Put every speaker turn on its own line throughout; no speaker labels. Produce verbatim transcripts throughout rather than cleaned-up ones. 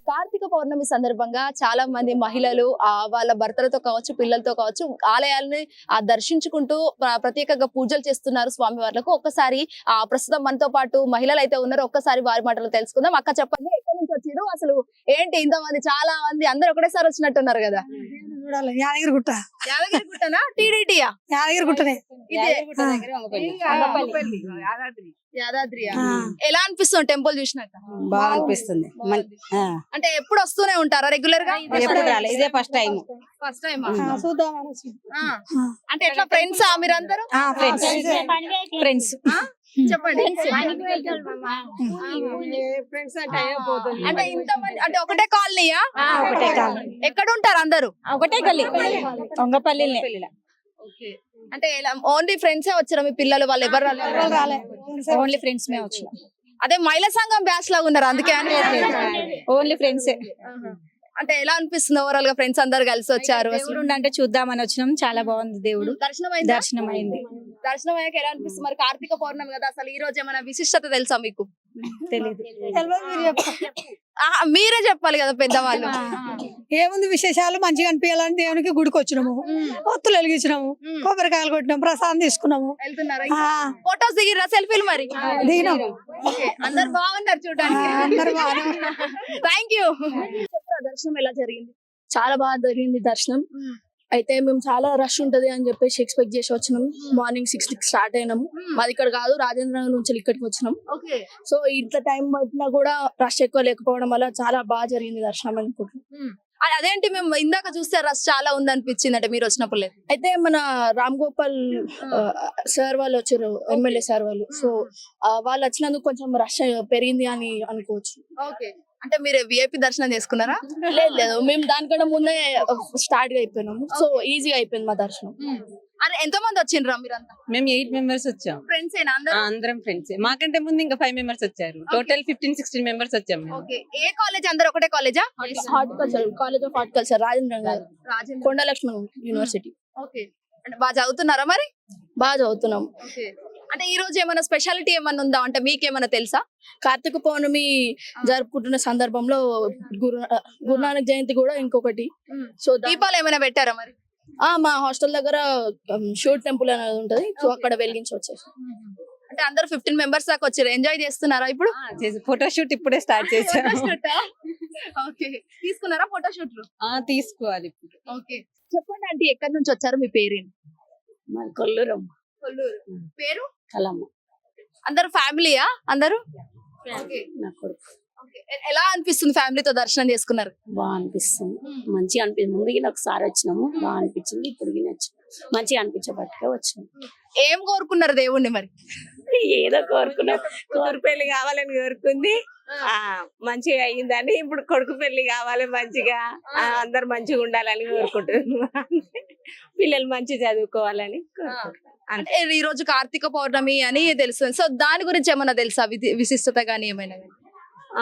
కార్తీక పౌర్ణమి సందర్భంగా చాలా మంది మహిళలు ఆ వాళ్ళ భర్తలతో కావచ్చు పిల్లలతో కావచ్చు ఆలయాలని ఆ దర్శించుకుంటూ ప్ర- ప్రత్యేకంగా పూజలు చేస్తున్నారు స్వామి వార్లకు. ఒక్కసారి ఆ ప్రస్తుతం మనతో పాటు మహిళలు అయితే ఉన్నారు, ఒక్కసారి వారి మాటలు తెలుసుకుందాం. అక్క చెప్పండి, ఎక్కడి నుంచి వచ్చారు, అసలు ఏంటి ఇంతమంది, చాలా మంది అందరు ఒకటేసారి వచ్చినట్టున్నారు కదా?
చూడాలి యాదగిరిగుట్ట
యాదగిరి గుట్టనా టీడీటీయా?
యాదగిరిగుట్టనే
ఇదే
అంగపల్లి.
యాదాద్రియా?
ఆ.
ఎలా అనిపిస్తుంది టెంపుల్ చూసినాక?
బాగా అనిపిస్తుంది మన్- ఆ.
అంటే ఎప్పుడు వస్తూనే ఉంటారా రెగ్యులర్ గా?
ఎప్పుడు రాలే, ఇదే ఫస్ట్ టైం.
First time.
చూద్దాం అనేసి.
అంటే ఎట్లా ఫ్రెండ్స్ మీరందరూ?
ఫ్రెండ్స్ ఫ్రెండ్స్
చెప్పండి. అంటే ఇంత మంది అంటే ఒకటే కాలనీయా?
ఒకటే కాలనీ.
ఎక్కడ ఉంటారు అందరూ?
ఒకటే గల్లీ వంగపల్లి.
అంటే ఓన్లీ ఫ్రెండ్సే వచ్చారా? మీ పిల్లలు వాళ్ళు ఎవరు రాలేదు?
ఓన్లీ ఫ్రెండ్స్ మే వచ్చిన.
అదే మహిళా సంఘం బ్యాచ్ లాగా ఉన్నారు అందుకే అని.
Only friends.
అంటే ఎలా అనిపిస్తుంది ఓవరాల్ గా ఫ్రెండ్స్ అందరు కలిసి వచ్చారు?
దేవుడు ఉండంటే చూద్దామని వచ్చినాం. చాలా బాగుంది దేవుడు.
దర్శనం అయిందా?
దర్శనం అయింది.
దర్శనం అయ్యాక ఎలా అనిపిస్తుంది? మరి కార్తీక పౌర్ణమి కదా, అసలు ఈ రోజు ఏమైనా విశిష్టత తెలుసా మీకు?
తెలీదు.
తెలియదు, మీరు చెప్పండి.
ఆహా, మీరే చెప్పాలి కదా పెద్దవాళ్ళు.
ఏముంది విశేషాలు, మంచిగా అనిపించాలని దేవునికి గుడికి వచ్చినాము, ఒత్తులు వెలిగించినాము, కొబ్బరికాయలు కొట్టినాము, ప్రసాదం తీసుకున్నాము.
వెళ్తున్నారా?
ఆ,
ఫోటోస్ దిగిరా, సెల్ఫీలు మరి?
దిగినాం.
అందరు బాగున్నారు చూడడానికి.
అందరు బాగానే
థ్యాంక్ యూ. చెప్పరా, దర్శనం ఎలా జరిగింది?
చాలా బాగా జరిగింది దర్శనం. అయితే మేము చాలా రష్ ఉంటది అని చెప్పేసి ఎక్స్పెక్ట్ చేసి వచ్చినాం. మార్నింగ్ సిక్స్ కి స్టార్ట్ అయినాము. మాది ఇక్కడ కాదు, రాజేంద్ర నగర్ నుంచి ఇక్కడికి వచ్చినాం.
ఓకే.
సో ఇంత టైం పట్టినా కూడా రష్ ఎక్కువ లేకపోవడం వల్ల చాలా బాగా జరిగింది దర్శనం అనుకుంటున్నాం.
అది అదేంటి, మేము ఇందాక చూస్తే రష్ చాలా ఉంది అనిపించింది అంటే మీరు వచ్చినప్పుడు లేదు?
అయితే మన రామ్ గోపాల్ సార్ వాళ్ళు వచ్చారు, ఎమ్మెల్యే సార్ వాళ్ళు. సో వాళ్ళు వచ్చినందుకు కొంచెం రష్ పెరిగింది అని అనుకోవచ్చు.
ఓకే. అంటే మీరు విఐపి దర్శనం చేసుకున్నారా?
లేదు లేదు, మేము దానికన్నా ముందే స్టార్ట్ గా అయిపోయినాము. సో ఈజీగా అయిపోయింది మా దర్శనం.
అరే ఎంత మంది వచ్చిండ్రా మీరంతా?
మేము ఎయిట్ మెంబర్స్ వచ్చాం.
ఫ్రెండ్స్ ఏనా అందరూ?
ఆ, అందరం ఫ్రెండ్స్. మాకంటే ముందు ఇంకా ఫైవ్ మెంబర్స్ వచ్చారు. టోటల్ ఫిఫ్టీన్ సిక్స్టీన్ మెంబర్స్ వచ్చాం మేము.
ఓకే. ఏ కాలేజ్? అందరూ ఒకటే కాలేజా?
Horticulture, college of horticulture, Rajendra Nagar,
Rajendra.
Konda Laxman university.
Okay. అంటే బాగా చదువుతున్నారా మరి?
బాగా చదువుతున్నాం.
ఓకే. అంటే ఈ రోజు ఏమైనా స్పెషాలిటీ ఏమైనా ఉందా అంటే మీకేమైనా తెలుసా?
కార్తీక పౌర్ణమి జరుపుకుంటున్న సందర్భంలో గురు గురునానక్ జయంతి కూడా ఇంకొకటి. సో దా-
దీపాలు ఏమైనా పెట్టారా మరి?
ఆ మా హాస్టల్ దగ్గర షూట్ టెంపుల్ అనేది ఉంటది. సో అక్కడ వెలిగించి వచ్చేసి
అంటే అందరూ ఫిఫ్టీన్ మెంబర్స్ దాకా వచ్చారు. ఎంజాయ్ చేస్తున్నారా ఇప్పుడు?
ఫోటోషూట్ ఇప్పుడే స్టార్ట్ చేసాం.
ఓకే. తీసుకున్నారా ఫోటో షూట్లు?
ఆ, తీసుకోవాలి ఇప్పుడు.
ఓకే. చెప్పండి ఆంటీ, ఎక్కడి నుంచి వచ్చారు, మీ పేరేంటి?
కొల్లూరం
కొల్లూరు. పేరు?
కలమ్మ.
అందరూ ఫ్యామిలీయా అందరూ? ఓకే.
నా కొడుకు.
ఓకే. ఎ- ఎలా అనిపిస్తుంది ఫ్యామిలీతో దర్శనం చేసుకున్నారు?
బాగా అనిపిస్తుంది. మంచిగా అనిపిస్తుంది. ముందుగా ఒకసారి వచ్చినాము, బాగా అనిపించింది. ఇప్పుడు వచ్చినాము, మంచిగా అనిపించబట్టుగా వచ్చినాం.
ఏం కోరుకున్నారు దేవుణ్ణి మరి?
ఏదో కోరుకున్నాం.
కూతురు పెళ్లి కావాలని కోరుకుంది, ఆ మంచిగా అయ్యిందని. ఇప్పుడు కొడుకు పెళ్లి కావాలి మంచిగా, ఆ, అందరు మంచిగా ఉండాలని కోరుకుంటున్నాం. పిల్లలు మంచిగా చదువుకోవాలని కోరుకుంటున్నాం.
అంటే ఈ రోజు కార్తీక పౌర్ణమి అని తెలుస్తుంది. సో దాని గురించి ఏమైనా తెలుసా, విధి- విశిష్టత గానీ ఏమైనా గానీ?
ఆ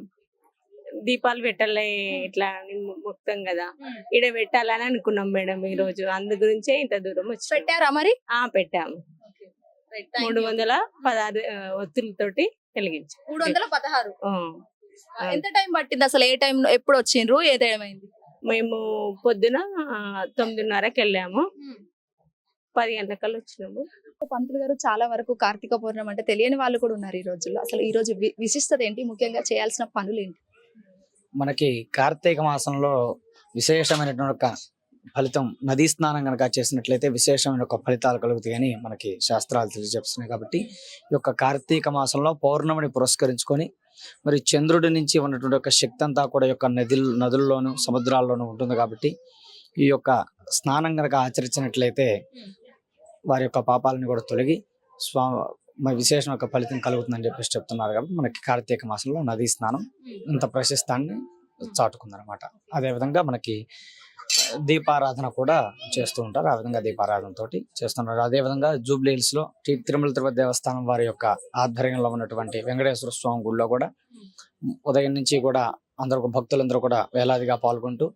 దీపాలు పెట్టాలి ఇట్లా అని మొత్తం కదా, ఈడ పెట్టాలని అనుకున్నాం మేడం ఈ రోజు. అందు గురించే ఇంత దూరం వచ్చి
పెట్టారా మరి?
ఆ పెట్టాము. మూడు వందల పదహారు ఆ, ఒత్తులతోటి వెలిగించాం.
మూడు వందల పదహారు.
ఆ.
ఎంత టైం పట్టింది అసలు? ఏ టైం ఎప్పుడు వచ్చిండ్రు, ఏ టైం అయింది?
మేము పొద్దున ఆ, తొమ్మిదిన్నరకి వెళ్ళాము, పది గంటలకల్లా వచ్చినాము.
పంతులు గారు, చాలా వరకు కార్తీక పౌర్ణమి అంటే తెలియని వాళ్ళు కూడా ఉన్నారు ఈ రోజుల్లో. అసలు ఈ రోజు వి- విశిష్టత ఏంటి, ముఖ్యంగా చేయాల్సిన పనులు ఏంటి?
మనకి కార్తీక మాసంలో విశేషమైనటువంటి ఒక ఫలితం, నదీ స్నానం కనుక చేసినట్లయితే విశేషమైన ఒక ఫలితాలు కలుగుతాయని మనకి శాస్త్రాలు తెలియజేస్తున్నాయి. కాబట్టి ఈ యొక్క కార్తీక మాసంలో పౌర్ణమిని పురస్కరించుకొని మరి చంద్రుడి నుంచి ఉన్నటువంటి ఒక శక్తి అంతా కూడా ఈ యొక్క నదులు నదుల్లోను సముద్రాల్లోనూ ఉంటుంది. కాబట్టి ఈ యొక్క స్నానం కనుక ఆచరించినట్లయితే వారి యొక్క పాపాలను కూడా తొలగి స్వా మరి విశేషం యొక్క ఫలితం కలుగుతుందని చెప్పేసి చెప్తున్నారు. కాబట్టి మనకి కార్తీక మాసంలో నదీ స్నానం ఇంత ప్రశస్తాన్ని చాటుకుందనమాట. అదేవిధంగా మనకి దీపారాధన కూడా చేస్తూ ఉంటారు. ఆ విధంగా దీపారాధన తోటి చేస్తున్నారు. అదేవిధంగా జూబ్లీ హిల్స్ లో తి- తిరుమల తిరుపతి దేవస్థానం వారి యొక్క ఆధ్వర్యంలో ఉన్నటువంటి వెంకటేశ్వర స్వామి గుడిలో కూడా ఉదయం నుంచి కూడా అందరూ భక్తులందరూ కూడా వేలాదిగా పాల్గొంటూ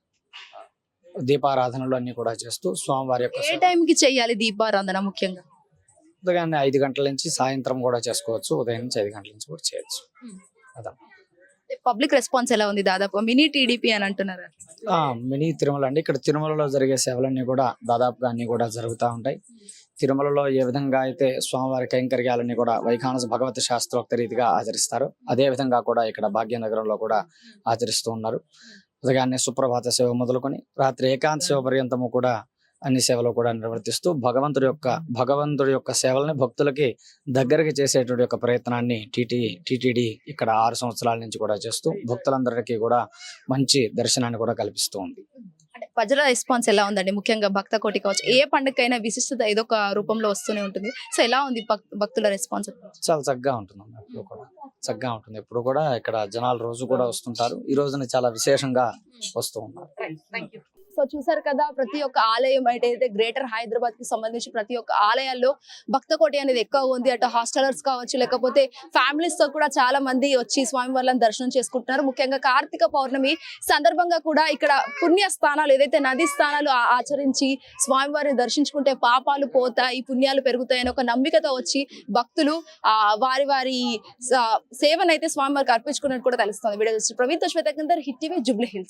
దీపారాధనలు అన్ని కూడా చేస్తూ స్వామివారి యొక్క
ఏ టైం కి చెయ్యాలి దీపారాధన ముఖ్యంగా?
ఉదయాన్నే ఐదు గంటల నుంచి సాయంత్రం కూడా చేసుకోవచ్చు. ఉదయం నుంచి ఐదు గంటల నుంచి కూడా చేయొచ్చు. అదా
పబ్లిక్ రెస్పాన్స్ ఎలా ఉంది? దాదాపు మినీ టీడీపీ అని అంటున్నారు.
ఆ మినీ తిరుమల అండి. ఇక్కడ తిరుమలలో జరిగే సేవలన్నీ కూడా దాదాపుగా అన్ని కూడా జరుగుతూ ఉంటాయి. తిరుమలలో ఏ విధంగా అయితే స్వామివారి కైంకర్యాలన్నీ కూడా వైఖానస భగవతి శాస్త్రోక్త రీతిగా ఆచరిస్తారు, అదే విధంగా కూడా ఇక్కడ భాగ్యనగరంలో కూడా ఆచరిస్తూ ఉన్నారు. ఉదయాన్నే సుప్రభాత సేవ మొదలుకొని రాత్రి ఏకాంత సేవ పర్యంతము కూడా అన్ని సేవలు కూడా నిర్వర్తిస్తూ భగవంతుడి యొక్క భగవంతుడి యొక్క సేవల్ని భక్తులకి దగ్గరికి చేసేటువంటి యొక్క ప్రయత్నాన్ని టీటీ టీటీడీ ఇక్కడ ఆరు సంవత్సరాల నుంచి కూడా చేస్తూ భక్తులందరికీ కూడా మంచి దర్శనాన్ని కూడా కల్పిస్తూ ఉంది.
అంటే ప్రజల రెస్పాన్స్ ఎలా ఉందండి? ముఖ్యంగా భక్త కోటి కావచ్చు, ఏ పండుగకైనా విశిష్టత ఏదో ఒక రూపంలో వస్తూనే ఉంటుంది. సో ఎలా ఉంది భక్- భక్తుల రెస్పాన్స్?
చాలా చక్కగా ఉంటుంది అన్న, ఎప్పుడు కూడా చక్కగా ఉంటుంది. ఎప్పుడు కూడా ఇక్కడ జనాలు రోజు కూడా వస్తుంటారు. ఈ రోజున చాలా విశేషంగా వస్తూ ఉన్నారు.
సో చూసారు కదా, ప్రతి ఒక్క ఆలయం అయితే గ్రేటర్ హైదరాబాద్ కి సంబంధించి ప్రతి ఒక్క ఆలయాల్లో భక్త కోటి అనేది ఎక్కువ ఉంది. అటు హాస్టలర్స్ కావచ్చు, లేకపోతే ఫ్యామిలీస్ తో కూడా చాలా మంది వచ్చి స్వామి వారిని దర్శనం చేసుకుంటున్నారు. ముఖ్యంగా కార్తీక పౌర్ణమి సందర్భంగా కూడా ఇక్కడ పుణ్య స్థానాలు ఏదైతే నది స్థానాలు ఆ- ఆచరించి స్వామి వారిని దర్శించుకుంటే పాపాలు పోతాయి, పుణ్యాలు పెరుగుతాయని ఒక నమ్మికతో వచ్చి భక్తులు ఆ వారి వారి స- సేవనైతే స్వామి వారికి అర్పించుకున్నట్టు కూడా తెలుస్తుంది. వీడియో ప్రవీణ్ తో Shweta hit TV Jubilee hills.